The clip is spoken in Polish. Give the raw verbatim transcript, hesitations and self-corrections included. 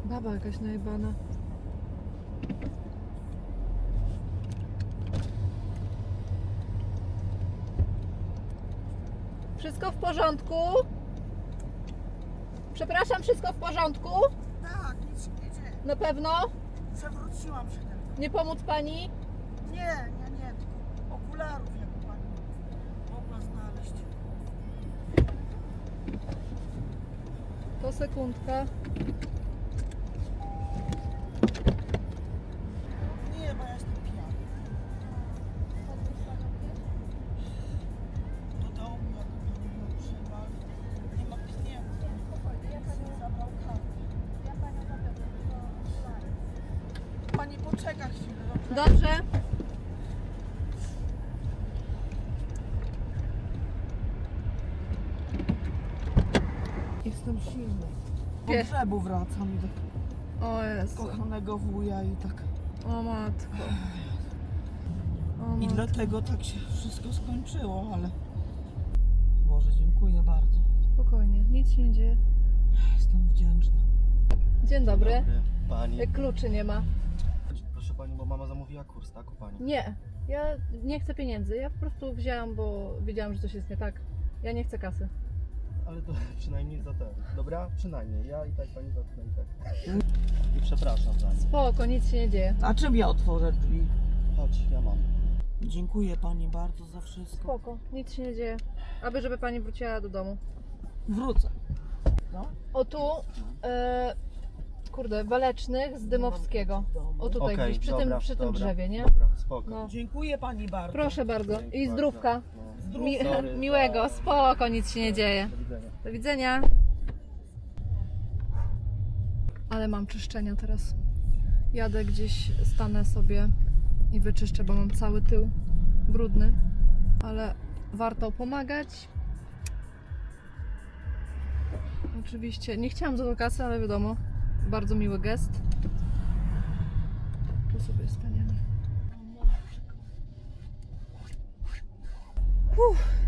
Baba jakaś najebana. Wszystko w porządku? Przepraszam, wszystko w porządku? Tak, nic się nie dzieje. Na pewno? Przewróciłam się tylko. Nie pomóc pani? Nie, nie, nie, tylko okularów jak pani mogła znaleźć. To sekundka. Nie, bo ja jestem pijany. Do domu, jak nie używa, nie ma pieniędzy. Zabrał kartę. Pani poczeka chwilę, dobrze? Dobrze. Jestem silny. Po Wie- grzebu wracam do O Jezu. kochanego wuja i tak. O matko. O I matko. dlatego tak się wszystko skończyło, ale Boże, dziękuję bardzo. Spokojnie, nic się nie dzieje. Jestem wdzięczna. Dzień dobry. Dobry, pani. Jak kluczy nie ma. Proszę pani, bo mama zamówiła kurs, tak, u pani? Nie, ja nie chcę pieniędzy. Ja po prostu wzięłam, bo wiedziałam, że coś jest nie tak. Ja nie chcę kasy. Ale to przynajmniej za ten. Dobra? Przynajmniej. Ja i tak pani zacznę i tak. I przepraszam pani. Spoko, nic się nie dzieje. A czym ja otworzę drzwi? Chodź, ja mam. Dziękuję pani bardzo za wszystko. Spoko, nic się nie dzieje. Aby żeby pani wróciła do domu. Wrócę. No. O tu, e, kurde, Walecznych z Dymowskiego. O tutaj Okej, gdzieś, przy, dobra, tym, przy tym dobra, drzewie, nie? Dobra, spoko. No. Dziękuję pani bardzo. Proszę bardzo. Dzięki I bardzo. zdrówka. No. Zdrów. Mi, Sorry. miłego, spoko, nic się nie dzieje. Do widzenia. Do widzenia. Ale mam czyszczenia teraz. Jadę gdzieś, stanę sobie i wyczyszczę, bo mam cały tył brudny. Ale warto pomagać. Oczywiście, nie chciałam za to kasy, ale wiadomo, bardzo miły gest. Tu sobie staniemy. Uff.